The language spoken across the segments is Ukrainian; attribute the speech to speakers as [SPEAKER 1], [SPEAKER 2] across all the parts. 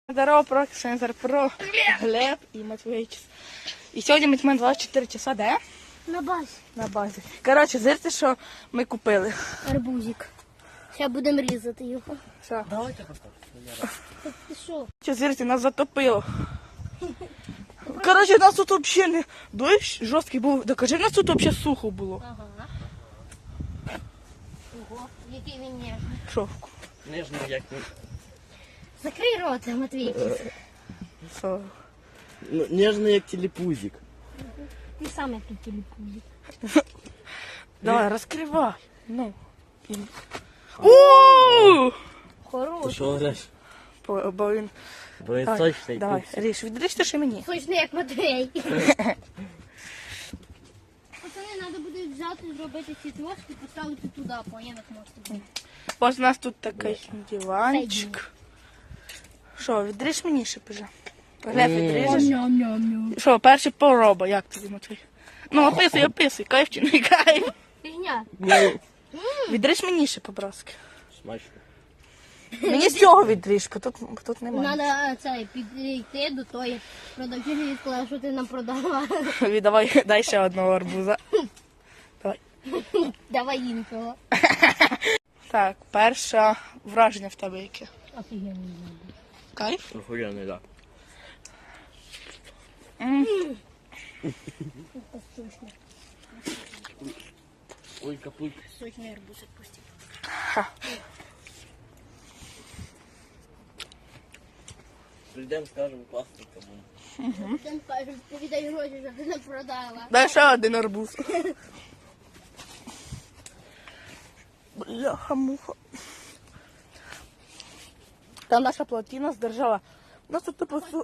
[SPEAKER 1] Здорово, Проксензор, про Глеб і Матвійчис. І сьогодні ми тьмемо 24 часа, де?
[SPEAKER 2] На базі.
[SPEAKER 1] На базі. Коротше, зирте, що ми купили.
[SPEAKER 2] Арбузик. Зараз будемо різати його.
[SPEAKER 1] Все.
[SPEAKER 3] Давайте поставимо.
[SPEAKER 2] Ти що?
[SPEAKER 1] Що, зирте, нас затопило. Коротше, нас тут взагалі не... Дощ жорсткий був. Докажи, нас тут взагалі сухо було.
[SPEAKER 2] Ага. Ого, який він ніжний.
[SPEAKER 1] Шовку.
[SPEAKER 3] Нежно, як ні.
[SPEAKER 2] Закрий рота, Матвійчис.
[SPEAKER 1] Все.
[SPEAKER 3] Нежно, як телепузик.
[SPEAKER 2] Ти сам як тут телепузик.
[SPEAKER 1] Давай, розкривай. Ну. Ууу!
[SPEAKER 3] Ти
[SPEAKER 2] Хороший.
[SPEAKER 3] що говориш?
[SPEAKER 1] Бо він...
[SPEAKER 3] Бо я точно
[SPEAKER 1] Давай, ріж, відріжте ще мені.
[SPEAKER 2] Точно як Матвій. Пацани, треба буде взяти, зробити ці трошки, поставити туди, поняв, можете бути.
[SPEAKER 1] Ось у нас тут такий диванчик. Що, відріж мені ще вже? Глеб, відріжеш?
[SPEAKER 2] Ням-ням-ням.
[SPEAKER 1] Що, перший пороба, як тобі, Матвій? Ну, описуй, кайф чи не кайф.
[SPEAKER 2] Фігня.
[SPEAKER 1] Відріж мені ще по-братськи.
[SPEAKER 3] Смачно.
[SPEAKER 1] Мені з цього відріж, бо тут немає.
[SPEAKER 2] Треба підійти до тої продавчині і сказати, що ти нам продала.
[SPEAKER 1] Віддавай, дай ще одного арбуза. Давай.
[SPEAKER 2] Давай іншого.
[SPEAKER 1] Так, перше враження в тебе яке?
[SPEAKER 2] Офігенно.
[SPEAKER 1] Кайф?
[SPEAKER 3] Охуєнний, так. Ой, капут.
[SPEAKER 2] Сочний арбуз відпустив.
[SPEAKER 3] Прийдемо, скажемо, класно кому.
[SPEAKER 2] Він каже, ти віддай гроші, щоб ти не продала.
[SPEAKER 1] Дай ще один арбуз. Бляха-муха. Там наша плотина здержала. У нас тут типу сухо.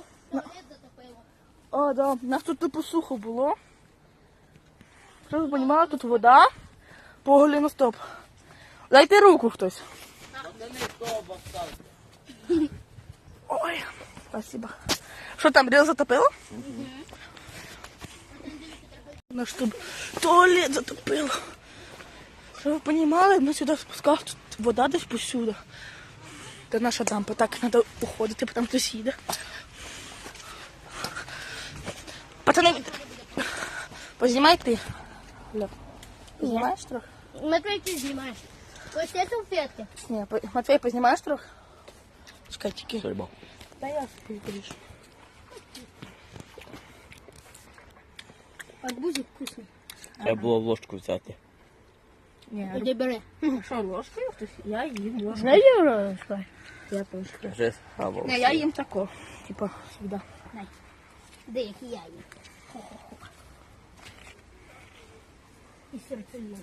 [SPEAKER 1] О, да. У нас тут типу сухо було. Щоб ви розуміли, тут вода по голеностоп. Дайте руку хтось. Ой, спасибо. Що там, ріл затопило? Наш тут туалет затопило. Щоб ви розуміли, ми сюди спускали, тут вода десь посюди. Це наша дампа, так, треба уходити, потім хтось їде. Пацани, познімай ти. Глеб, познімаєш трохи?
[SPEAKER 2] Матвій, ти знімаєш. Ось це салфетки.
[SPEAKER 1] Ні, Матвій, познімаєш трохи? Чекай, тільки.
[SPEAKER 3] Сорбо.
[SPEAKER 1] Та я сподіваюся.
[SPEAKER 2] Арбузик вкусний.
[SPEAKER 3] Треба було ложку взяти.
[SPEAKER 1] Ні,
[SPEAKER 2] Іди бери.
[SPEAKER 1] що, ложкою хтось? Я їм ложкою.
[SPEAKER 2] Знаєш, ложкою?
[SPEAKER 1] Я теж.
[SPEAKER 3] Вже схавав.
[SPEAKER 1] Не, я їм тако. Типа, сюди.
[SPEAKER 2] Де, як і я їм. І серцеліна.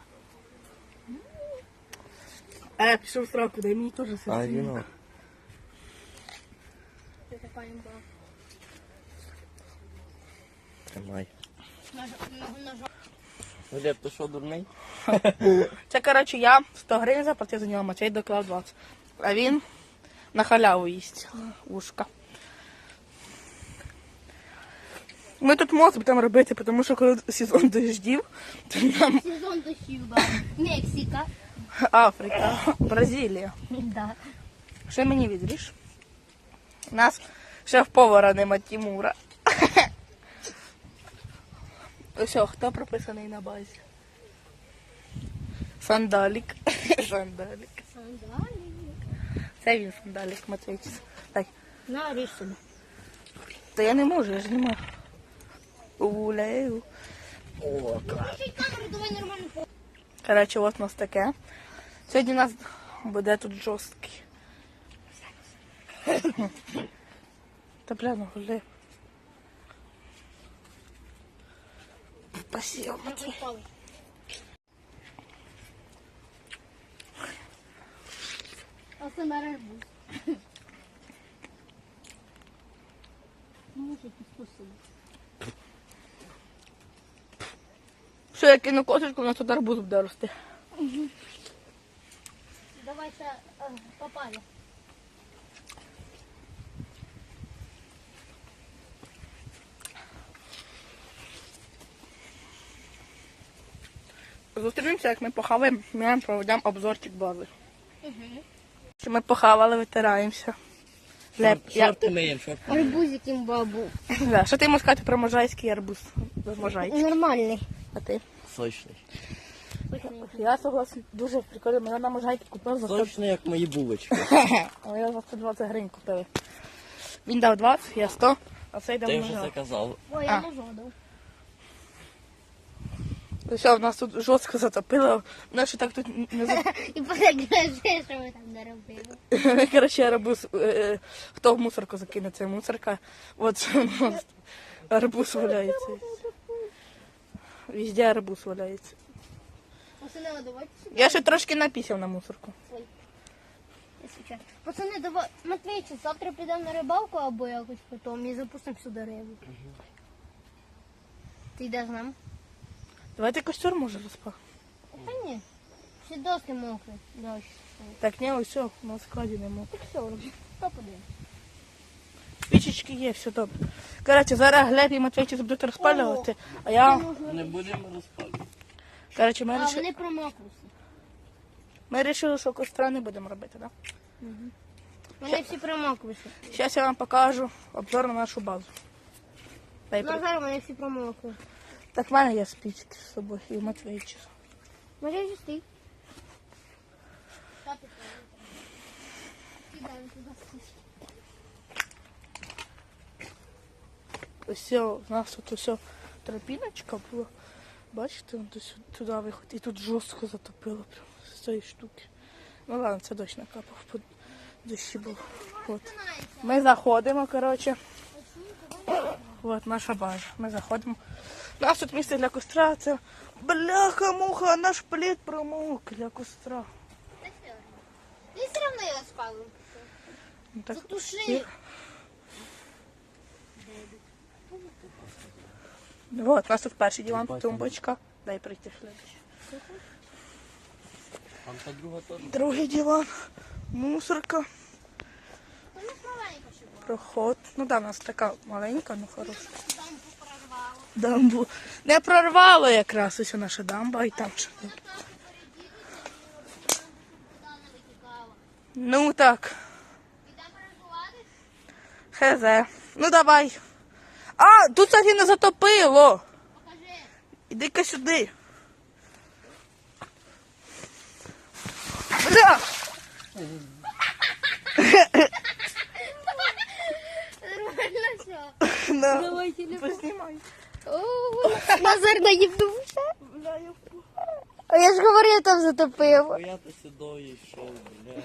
[SPEAKER 1] Пішов в сраку, дай мені теж
[SPEAKER 3] А,
[SPEAKER 1] серце.
[SPEAKER 3] віно.
[SPEAKER 2] Це така їм була.
[SPEAKER 3] Тримай.
[SPEAKER 2] Ножом.
[SPEAKER 3] Глеб, ти що, дурний?
[SPEAKER 1] Це, коротше, я 100 гривень заплатив за нього, Матвій доклав 20. А він на халяву їсть. Ушка. Ми тут мост будемо робити, тому що коли сезон дождів, то нам
[SPEAKER 2] Сезон дощів, да. Мексика.
[SPEAKER 1] Африка, Бразилія.
[SPEAKER 2] Да.
[SPEAKER 1] Ще мені відріж. У нас шеф-повара нема Тимура. Ось, хто прописаний на базі? Сандалік. Сандалік.
[SPEAKER 2] Сандалік.
[SPEAKER 1] Це він сандалік, Матвійчис. Дай.
[SPEAKER 2] На, ріж собі.
[SPEAKER 1] Та я не можу, я ж не можу. Улею.
[SPEAKER 3] О,
[SPEAKER 2] Включи камеру, давай нормально по...
[SPEAKER 1] Коротше, ось у нас таке. Сьогодні у нас буде тут жорсткий. Та бля, ну гуляй. Спасибо, Матвій.
[SPEAKER 2] А це на арбуз. Може, ти спосіб.
[SPEAKER 1] Що, я кину косточку, у нас тут арбуз буде рости.
[SPEAKER 2] Давай ще попали.
[SPEAKER 1] Зустрінемося, як ми похаваємо, ми проведемо обзорчик бази. Що ми похавали, витираємося. Глеб,
[SPEAKER 3] Шорти миємо, шорти.
[SPEAKER 2] Арбузик бабу.
[SPEAKER 1] Да, що ти можеш сказати про можайський арбуз? Можайський.
[SPEAKER 2] Нормальний.
[SPEAKER 1] А ти?
[SPEAKER 3] Сочний.
[SPEAKER 1] Я согласен, дуже прикольно. Мене на можайки купив за 100.
[SPEAKER 3] Сочний, як мої булочки.
[SPEAKER 1] А я за 120 гривень купили. Він дав 20, я 100, а цей дав
[SPEAKER 3] Ти вже
[SPEAKER 1] можай.
[SPEAKER 3] заказав.
[SPEAKER 2] Ой, я не жодав.
[SPEAKER 1] Все, в нас тут жорстко затопило. Наші так тут не за...
[SPEAKER 2] І подивишся, що ми там наробили.
[SPEAKER 1] Короче, арбуз, хто в мусорку закине, це мусорка. От у нас арбуз валяється. Везде арбуз валяється.
[SPEAKER 2] Пацани, давайте сюди.
[SPEAKER 1] Я ще трошки напісяв на мусорку.
[SPEAKER 2] Пацани, давай, Матвійчик, завтра підемо на рибалку або якось потім і запустимо сюди рибу. Ти йдеш з нами?
[SPEAKER 1] Давайте костер може розпах.
[SPEAKER 2] Та ні. Всі доски мокрі. Дощ.
[SPEAKER 1] Так, ні, ось все, на складі нема.
[SPEAKER 2] Так все, хто подивиться?
[SPEAKER 1] Спічечки є, все добре. Коротше, зараз Глеб і Матвійчик будуть розпалювати, а я...
[SPEAKER 3] Не будемо розпалювати.
[SPEAKER 1] Коротше,
[SPEAKER 2] А, вони промокли.
[SPEAKER 1] ми вирішили, що костра не будемо робити, так?
[SPEAKER 2] Вони всі промокли.
[SPEAKER 1] Зараз я вам покажу обзор на нашу базу. Дай при-
[SPEAKER 2] Назар, вони всі промокли.
[SPEAKER 1] Так, в мене є спічки з собою і Матвійчик.
[SPEAKER 2] Може, вже стій.
[SPEAKER 1] Ось все, у нас тут усе тропіночка була. Бачите, туди виходить. І тут жорстко затопило прямо з цієї штуки. Ну ладно, це дощ накапав, по дощі був. От. Ми заходимо, коротше. От наша база. Ми заходимо. У нас тут місце для костра, це бляха-муха, наш плід промок для костра.
[SPEAKER 2] Ти все одно його спалив.
[SPEAKER 1] Ну, так,
[SPEAKER 2] Затуши.
[SPEAKER 1] Вот, у нас тут перший диван, тумбочка. Дай прийти следующий.
[SPEAKER 3] Там та друга теж.
[SPEAKER 1] Другий диван, мусорка,
[SPEAKER 2] Вона маленька ще була.
[SPEAKER 1] проход. Ну да, у нас така маленька, ну хороша.
[SPEAKER 2] Дамбу прорвало.
[SPEAKER 1] Дамбу. Не прорвало якраз ось наша дамба і там ще.
[SPEAKER 2] Вона трохи переділася, вода не витікала.
[SPEAKER 1] Ну так,
[SPEAKER 2] Підемо перебувати?
[SPEAKER 1] хз. Ну давай. А, тут, кстати, не затопило.
[SPEAKER 2] Покажи.
[SPEAKER 1] Іди-ка сюди. Бля!
[SPEAKER 2] Нормально все.
[SPEAKER 1] На,
[SPEAKER 2] Давай телефон.
[SPEAKER 1] познімай.
[SPEAKER 2] Назар наїбнувся.
[SPEAKER 1] Бля, я впав.
[SPEAKER 2] А я ж говорив, там затопив.
[SPEAKER 3] Бо я то сюди йшов, бля.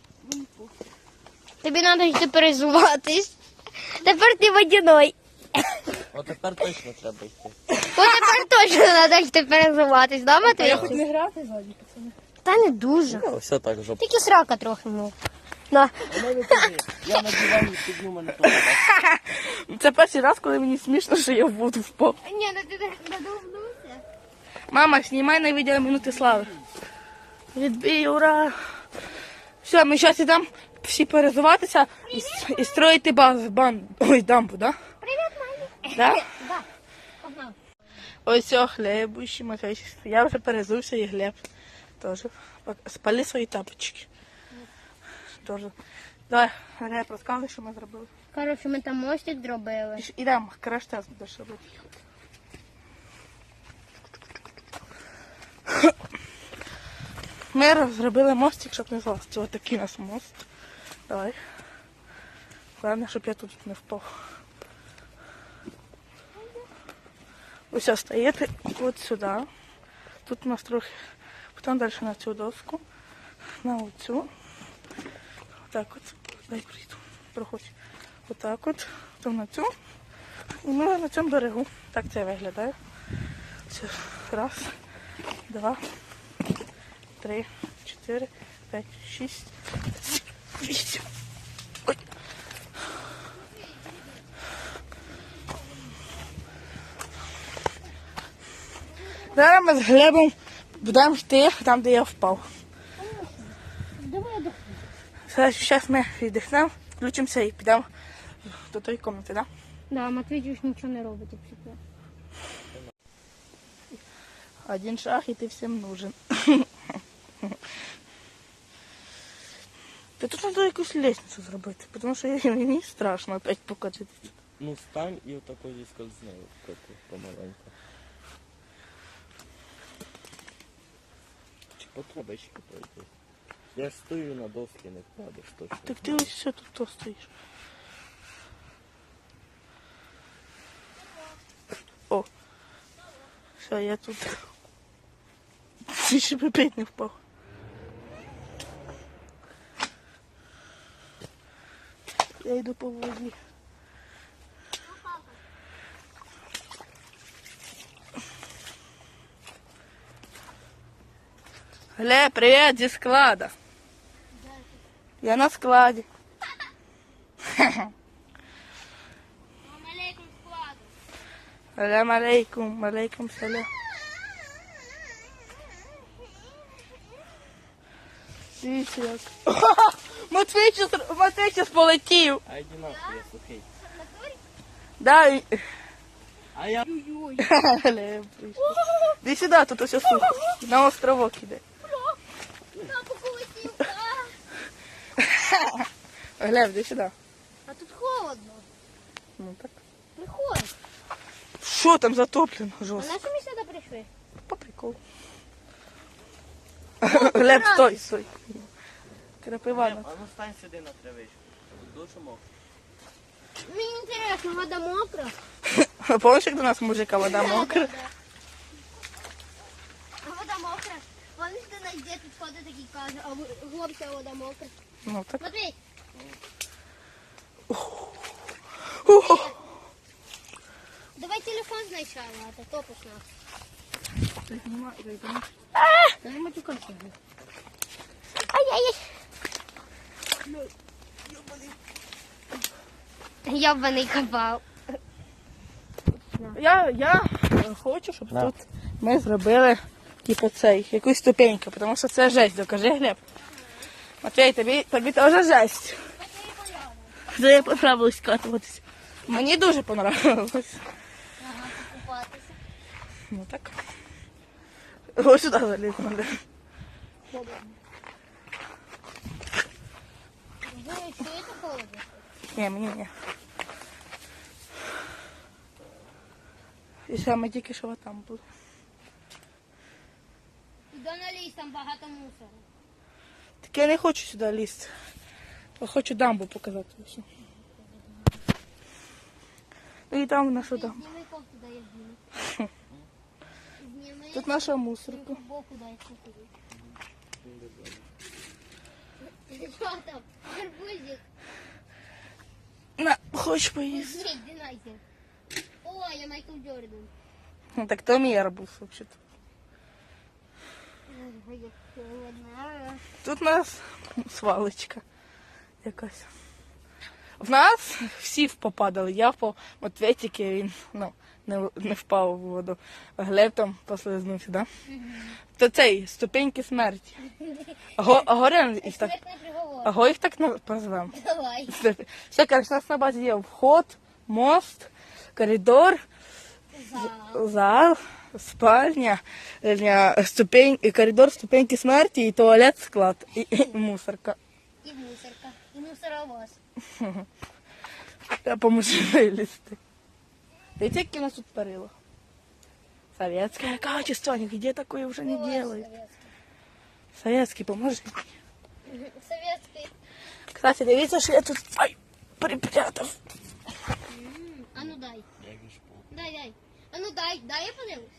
[SPEAKER 2] Тобі треба йти перезуватись. Тепер ти водяной.
[SPEAKER 3] О, тепер точно треба йти.
[SPEAKER 2] О, тепер точно треба йти перезуватись, да,
[SPEAKER 1] А я
[SPEAKER 2] Матвій?
[SPEAKER 1] хоч не грати ззаді, пацани.
[SPEAKER 2] Та не дуже.
[SPEAKER 3] Ну, все так жопа.
[SPEAKER 2] Тільки срака трохи, ну. На.
[SPEAKER 3] Я на дивані підню мене теж.
[SPEAKER 1] Це перший раз, коли мені смішно, що я в воду впав.
[SPEAKER 2] Ні, ну ти так надовнувся.
[SPEAKER 1] Мама, знімай на відео минути слави. Відбій, ура! Все, ми зараз ідемо всі перезуватися і строїти дамбу, да?
[SPEAKER 2] Привіт, мамі.
[SPEAKER 1] Да?
[SPEAKER 2] Да. Погнали.
[SPEAKER 1] Ось все, Глебущий, Матвійчик. Я вже перезувся і Глеб теж. Спали свої тапочки. Тоже. Давай, Глеб, розказуй, що ми зробили.
[SPEAKER 2] Коротше, ми там мостик зробили.
[SPEAKER 1] Ідемо, краш-тест будеш робити. Ми зробили мостик, щоб не злазити. Ось такий у нас мост. Давай. Головне, щоб я тут не впав. Ось стоїте от сюди. Тут у нас трохи. Потім далі на цю доску. На оцю. Отак от. Дай прийду. Проходь. Отак от. Потім на цю. І ми на цьому берегу. Так це виглядає. Все. Раз, два, 3, 4, 5, 6, 8. Ой. Зараз ми з Глебом будемо йти там, де я впав.
[SPEAKER 2] Давай я
[SPEAKER 1] Зараз ми віддихнемо, включимося і підемо до тої кімнати, так?
[SPEAKER 2] Да, Матвій ж нічого не робить, якщо це.
[SPEAKER 1] Один шаг, і ти всім нужен. Та тут треба якусь лестницю зробити, тому що мені страшно опять покатитися.
[SPEAKER 3] Ну стань і отако зіскользни помаленьку. Чи потреба ще пройти? Я ж стою на доски, не впадеш точно.
[SPEAKER 1] Так ти ось все тут то стоїш. О, все, я тут. Ти ще б опять не впав. Я йду по воді. Глеб, привет, зі склада. Я на складі.
[SPEAKER 2] Алейкум складу.
[SPEAKER 1] Салям алейкум, алейкум салям. Дивіться як. Матвій щас полетів.
[SPEAKER 3] А йди нахуй, я сухий.
[SPEAKER 1] Да, і-
[SPEAKER 3] А я...
[SPEAKER 2] Ой-ой.
[SPEAKER 1] Глеб прийшов. Іди сюди, тут усе сухо. На островок іде.
[SPEAKER 2] Папа полетів.
[SPEAKER 1] Глеб, іди сюди.
[SPEAKER 2] А тут холодно.
[SPEAKER 1] Ну так.
[SPEAKER 2] Приходь.
[SPEAKER 1] Що там затоплено
[SPEAKER 2] А
[SPEAKER 1] жорстко?
[SPEAKER 2] на що ми сюди прийшли?
[SPEAKER 1] По приколу. Глеб, стой, стой. Крапива.
[SPEAKER 3] А ну стань сюди на травичку. Дуже мокро.
[SPEAKER 2] Мені інтересно, вода мокра?
[SPEAKER 1] Помниш, як до нас мужика вода мокра?
[SPEAKER 2] Да. А вода мокра? Вони ж до нас дід підходить такий каже, а хлопця вода мокра.
[SPEAKER 1] Ну так.
[SPEAKER 2] Матвій,
[SPEAKER 1] Ух.
[SPEAKER 2] давай телефон спочатку, а то топиш нас.
[SPEAKER 1] Та не матюкайся.
[SPEAKER 2] Ай-яй-яй. Йобаний кабал.
[SPEAKER 1] Я хочу, щоб тут ми зробили типу цей, якусь ступеньку, тому що це жесть, докажи, Глеб. Матвій, тобі теж жесть. Де я понравилось катуватися. Мені дуже понравилось.
[SPEAKER 2] Ага, покупатися.
[SPEAKER 1] Ну так. Ось сюди заліз надо.
[SPEAKER 2] Ви чуєте холодно?
[SPEAKER 1] Ні, мені ні. І саме тільки що там були.
[SPEAKER 2] Іди на ліс, там багато мусору.
[SPEAKER 1] Так я не хочу сюди лізти. Я хочу дамбу показати всю. Ну і там нашу дамбу.
[SPEAKER 2] Зніми кофту, дай я зніму. Зніми.
[SPEAKER 1] Тут наша мусорка.
[SPEAKER 2] Боку дай купити. Що там? Гарбузик.
[SPEAKER 1] На, хочеш поїсти?
[SPEAKER 2] Ні, динайся. О, я Майкл Джордан.
[SPEAKER 1] Ну так то мій арбуз, взагалі-то.
[SPEAKER 2] Ой, як холодно.
[SPEAKER 1] Тут у нас свалочка якась. В нас всі попадали. Я впав, Матвій тільки він не впав у воду. А Глеб там послизнувся, да? То цей, ступеньки смерті. А горем їх так,
[SPEAKER 2] Смертний приговор.
[SPEAKER 1] аго їх так позвемо.
[SPEAKER 2] Давай.
[SPEAKER 1] Все, коротше, у нас на базі є вход, мост, коридор, зал, спальня, коридор, ступеньки смерті, і туалет, склад, і мусорка.
[SPEAKER 2] І мусорка. І мусоровоз.
[SPEAKER 1] Я поможу вилізти. Видите, які у нас тут перила? Советское качество, нигде такое уже не делают. Советский, поможи.
[SPEAKER 2] Советський.
[SPEAKER 1] Кстати, дивіться, що я тут припрятав.
[SPEAKER 2] А ну дай.
[SPEAKER 3] Я вішпу.
[SPEAKER 2] Дай. А ну дай я подивлюсь.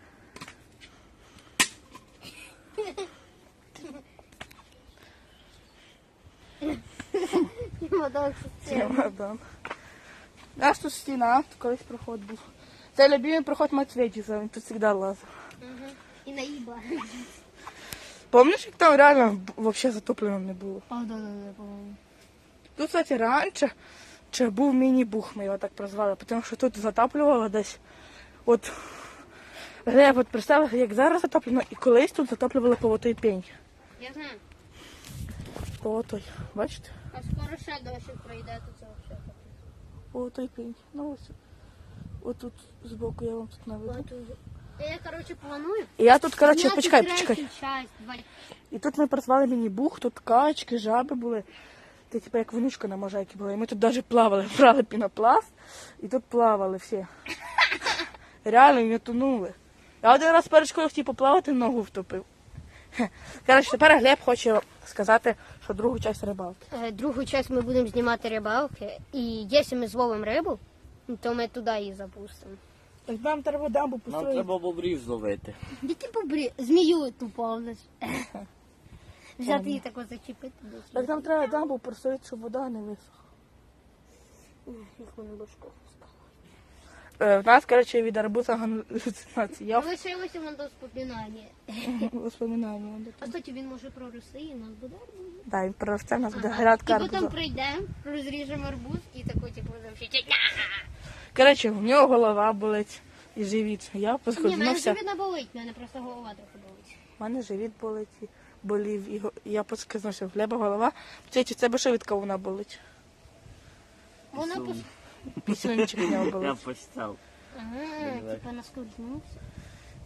[SPEAKER 1] Чемодан. У нас тут стіна, тут колись проход був. Це любимий проход Матвійчика, він тут завжди лазив.
[SPEAKER 2] І наїба.
[SPEAKER 1] Помниш, як там реально взагалі затоплено не було?
[SPEAKER 2] А, да, по-моєму.
[SPEAKER 1] Тут, кстати, раніше був міні-бух, ми його так прозвали, тому що тут затоплювало десь. От, Глеб, от представив, як зараз затоплено, і колись тут затоплювали по отой пень.
[SPEAKER 2] Я знаю.
[SPEAKER 1] По отой, бачите?
[SPEAKER 2] А скоро ще дощик пройде, то це все.
[SPEAKER 1] По отой пень. Ну ось. Отут збоку я вам тут наведу.
[SPEAKER 2] Я, короче, планую.
[SPEAKER 1] І я тут, коротше,
[SPEAKER 2] зняти
[SPEAKER 1] почекай.
[SPEAKER 2] третю часть,
[SPEAKER 1] І тут ми працювали міні-бух, тут качки, жаби були. Ти типу як вонючка на можайки були. І ми тут навіть плавали, брали пінопласт і тут плавали всі. Реально не тонули. Я один раз перед школою хотів поплавати, ногу втопив. Коротше, тепер Глеб хоче сказати, що другу частину рибалки.
[SPEAKER 2] Другу часть ми будемо знімати рибалки. І якщо ми зловимо рибу, то ми туди її запустимо.
[SPEAKER 1] Так нам треба дамбу
[SPEAKER 3] Нам
[SPEAKER 1] построїти.
[SPEAKER 3] треба бобрів зловити.
[SPEAKER 2] Де ти побрі? Змію ту повниш. Взяти її тако зачепити.
[SPEAKER 1] Так нам треба дамбу построїти, щоб вода не висохла.
[SPEAKER 2] Їх мене башко.
[SPEAKER 1] В нас, коротше, від арбуза галюцинації.
[SPEAKER 2] Лишилося воно до споминання.
[SPEAKER 1] Воспоминання.
[SPEAKER 2] А кстати, він може прорости і у нас буде арбуз.
[SPEAKER 1] Так, він проросте, у нас буде
[SPEAKER 2] І
[SPEAKER 1] грядка
[SPEAKER 2] потім
[SPEAKER 1] арбуза.
[SPEAKER 2] прийдемо, розріжемо арбуз і тако, типу, завжди.
[SPEAKER 1] Коротше, в нього голова болить і живіт. Я
[SPEAKER 2] Ні, мене
[SPEAKER 1] поскользнувся.
[SPEAKER 2] живіт не болить, мене просто голова трохи болить.
[SPEAKER 1] У мене живіт болить і болів. І я поскользнувся. В Глеба голова. Чи тебе що від кавуна болить?
[SPEAKER 2] Вона пос...
[SPEAKER 1] Пісюнчик в нього
[SPEAKER 3] Я
[SPEAKER 1] болить.
[SPEAKER 3] постав.
[SPEAKER 2] Ага, типа наскользнувся.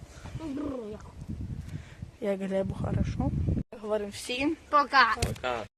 [SPEAKER 1] Як Глебу хорошо. Говоримо всім.
[SPEAKER 2] Пока.
[SPEAKER 3] Пока.